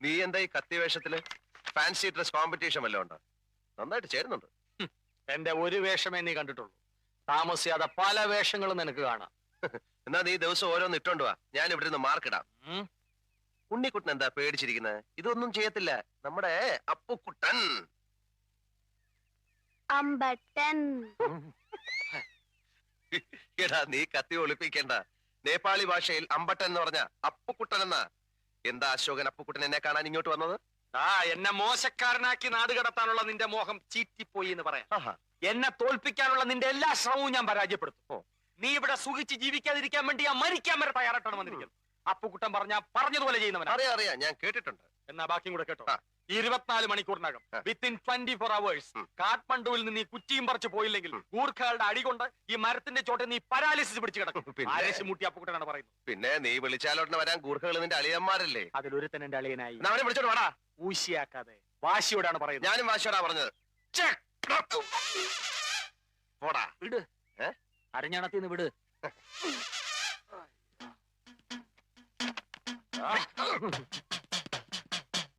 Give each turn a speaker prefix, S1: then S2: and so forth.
S1: നീ എന്താ ഈ കത്തി വേഷത്തില്? ഫാൻസി ഡ്രസ് കോമ്പറ്റീഷൻ വല്ലതും ഉണ്ടോ? നന്നായിട്ട് ചേരുന്നുണ്ട്.
S2: എന്റെ ഒരു വേഷമേ നീ കണ്ടിട്ടുള്ളൂ. താമസിയാതെ പല വേഷങ്ങളും നിനക്ക് കാണാം.
S1: എന്നാ നീ ദിവസം ഓരോന്ന് ഇട്ടോണ്ട് വാ, ഞാൻ ഇവിടെ നിന്ന് മാർക്കിടാം. ഉണ്ണിക്കുട്ടൻ എന്താ പേടിച്ചിരിക്കുന്നത്? ഇതൊന്നും ചെയ്യത്തില്ല നമ്മുടെ അപ്പുക്കുട്ടൻ.
S3: അമ്പട്ടൻ.
S1: എടാ നീ കത്തി ഒളിപ്പിക്കേണ്ട. നേപ്പാളി ഭാഷയിൽ അമ്പട്ടൻ എന്ന് പറഞ്ഞ അപ്പുക്കുട്ടൻ എന്നാ. എന്താ അശോകൻ അപ്പുക്കുട്ടൻ എന്നെ കാണാൻ ഇങ്ങോട്ട് വന്നത്?
S2: എന്നെ മോശക്കാരനാക്കി നാട് കടത്താനുള്ള നിന്റെ മോഹം ചീറ്റിപ്പോയി എന്ന് പറയാം. എന്നെ തോൽപ്പിക്കാനുള്ള നിന്റെ എല്ലാ ശ്രമവും ഞാൻ പരാജയപ്പെടുത്തും. നീ ഇവിടെ സുഖിച്ച് ജീവിക്കാതിരിക്കാൻ വേണ്ടി ഞാൻ മരിക്കാൻ വരെ തയ്യാറായിട്ടാണ് വന്നിരിക്കുന്നത്. അപ്പുക്കുട്ടൻ പറഞ്ഞതുപോലെ ചെയ്യുന്നവനാ.
S1: അറിയാം, ഞാൻ കേട്ടിട്ടുണ്ട്.
S2: എന്നാ ബാക്കിയും കൂടെ കേട്ടോ. 24 മണിക്കൂറിനകം വിത്തിൻ 24 hours കാഠ്മണ്ഡുവിൽ നിന്ന് ഈ കുറ്റിയും പറിച്ചു പോയില്ലെങ്കിൽ ഗൂർഖകളുടെ അടികൊണ്ട് ഈ മരത്തിന്റെ ചോട്ടെ നീ പരാലിസിസ് പിടിച്ചു കിടക്കും. ആരേശ് മുട്ടി അപ്പുക്കുട്ടനാണ് പറയുന്നത്.
S1: പിന്നെ നീ വിളിച്ചാലോട്ട് വരാൻ ഗൂർഖകൾ നിന്റെ അളിയന്മാരല്ലേ?
S2: അതിലൊരുത്തൻ എന്റെ അളിയനായി.
S1: അവനെ വിളിച്ചോട്ട് വാടാ.
S2: ഊശിയാക്കാതെ വാശിയോടാണ് പറയുന്നത്.
S1: ഞാനും വാശിയോടാ പറഞ്ഞത്. പോടാ
S2: വിട്. അരഞ്ഞണത്തിന്ന് വിട്.